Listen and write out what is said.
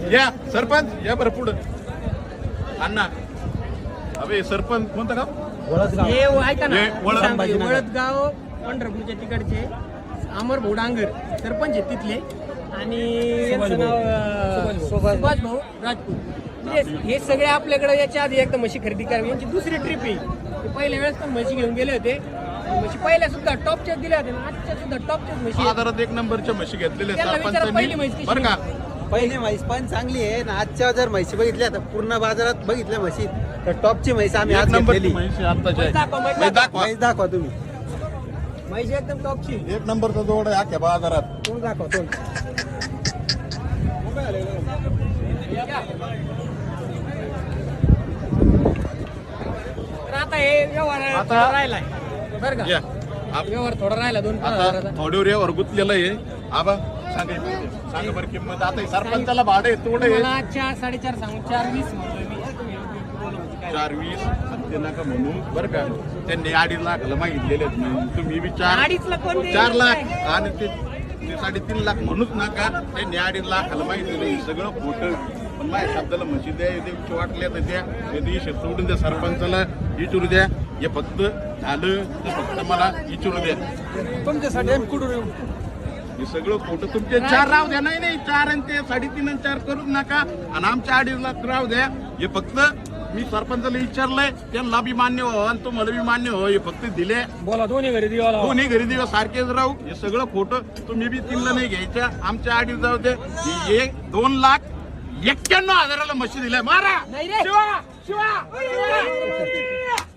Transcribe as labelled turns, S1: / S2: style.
S1: या सरपंच या बरं पुढं अण्णा अबे सरपंच कोणतं गाव
S2: हे ऐका ना
S1: हे
S2: वळदगाव पंढरपूरच्या तिकडचे अमर भाऊ डांगर सरपंच आहेत तिथले आणि यांचं नाव सुभाष भाऊ राजपूत म्हणजे हे सगळे आपल्याकडे याच्या आधी एकदा म्हशी खरेदी करावी यांची दुसरी ट्रिप आहे ते पहिल्या वेळेस पण म्हशी घेऊन गेले होते म्हशी पहिल्या सुद्धा टॉपच्या दिल्या होत्या आजच्या सुद्धा टॉपच्याच म्हशी
S1: बाजारात एक नंबरच्या म्हशी घेतलेल्या
S2: पहिली म्हैस
S1: सरपंचांनी बरं का
S3: पहिली म्हैस पण चांगली आहे ना आजच्या जर म्हशी बघितल्या तर पूर्ण बाजारात बघितल्या म्हशी तर टॉपची म्हैस आम्ही आज
S1: एक नंबरची
S3: घेतलेली
S1: म्हशी आत्ताची आहे.
S2: दाखवा, म्हैस
S1: म्हैस दाखवा
S3: म्हैस दाखवा तुम्ही
S2: म्हशी एकदम टॉपची
S1: एक नंबरचा जोड आहे अख्ख्या बाजारात
S3: तोंड दाखवा तोंड
S2: तर आता हे व्यवहार
S1: आता-
S2: थोडा राहिलाय बरं का
S1: या
S2: व्यवहार थोडा राहिला 2-5
S1: आता
S2: हजाराचा
S1: थोड्यावर यावर गुंतलेलं आहे आबा सांगा बरं किंमत आता हे सरपंचाला भाडे तोडे
S2: मला 4-4.5 सांगू 4.20 म्हणतोय मी
S1: 4.20 ते नका म्हणू बरं का त्यांनी 2.5 लाखाला मागितलेले आहेत म्हणून तुम्ही विचार
S2: 2.5 लाख कोण देईल?
S1: 4 लाख आणि ते 3.5 लाख म्हणूच नका त्यांनी 2.5 लाखाला मागितलेलं हे सगळं खोटं पण माझ्या शब्दाला म्हशी द्या द्यायची वाटल्या तर द्या ते दिवशी सोडून द्या सरपंचाला विचारू द्या हे फक्त झालं तर फक्त मला विचारू द्या
S3: तुमच्यासाठी आम्ही कुठून येऊ
S1: हे सगळं खोटं तुमचे 4 राहू द्या नाही 4 आणि ते 3.5 आणि 4 करूच नका आणि आमच्या 2.5 लाख राहू द्या हे फक्त मी सरपंचाला विचारलंय त्यांना बी मान्य हो आणि तुम्हाला बी मान्य हो हे फक्त दिले
S2: बोला दोन्ही घरी दिवाला
S1: दोन्ही घरी दिवस सारखेच राहू हे सगळं खोटं तुम्ही बी 3 ला नाही घ्यायच्या आमच्या 2.5 जाऊ दे हे 2,91,000 म्हशी दिल्या मारा
S2: नाही रे
S1: शिवा शिवा